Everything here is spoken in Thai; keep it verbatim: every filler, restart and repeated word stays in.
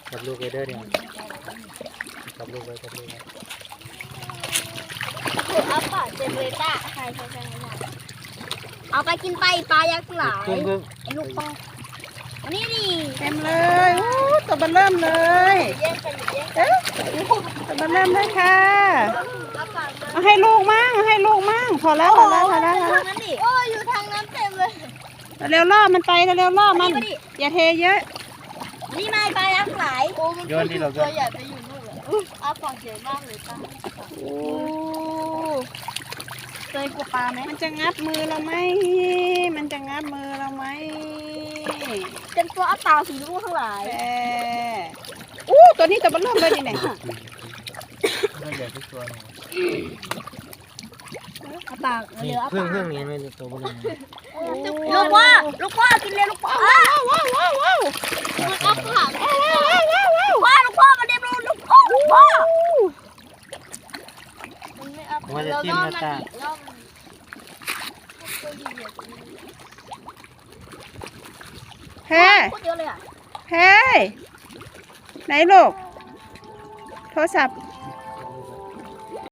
จับลูกไปเด้อเนี่ยจับลูกไปจับลูกไปคืออัปปะเจเนเรต้าใช่ใช่ใช่เอาไปกินไปปลายักษ์หลายไอ้ลูกพ่อวันนี้ดิเต็มเลยโอ้ตัวมันเริ่มเลยแย่งกันแย่งกัเอ๊ะตัวมันเริ่มเลยค่ะเอาให้ลูกมั่งให้ลูกมั่งพอแล้วพอแล้วพอแล้วพอแล้วนั้นดิโอ้อยู่ทางนั้นเต็มเลยเร็วล่อมันไปเร็วล่อมันอย่าเทเยอะนี่มาปลายักษ์หลายโอ้มันโยนที่เราตัวใหญ่ไปอยู่นู่นเลยอัปปะใหญ่มากเลยป้าโอ้เคยกลัวปลาไหมมันจะงับมือเราไหมมันจะงับมือเราไหมเป็นตัวอัปปะสีลูกทั้งหลายแอ่อู้ตัวนี้ตัวมันเริ่มเลยนี่ไหนน่าใหญ่ทุกตัวเลยอัปปะเหลืออัปเพิ่งปะเพิ่งนี้ไม่ตัวบนนี้ลูกว่าลูกว่ากินเลยลูกว่าว้าวว้าวว้าวว้าวมันอัปปะว้าวว้าวว้าวว้าวลูกว่ามาเด็บลูกลูกว่าลูกว่ามันไม่อัปปะมันจะจิ้มหน้าตาเฮ้โคตรเยอะเลยอ่ะเฮ้ไหนลูกโทรศัพท์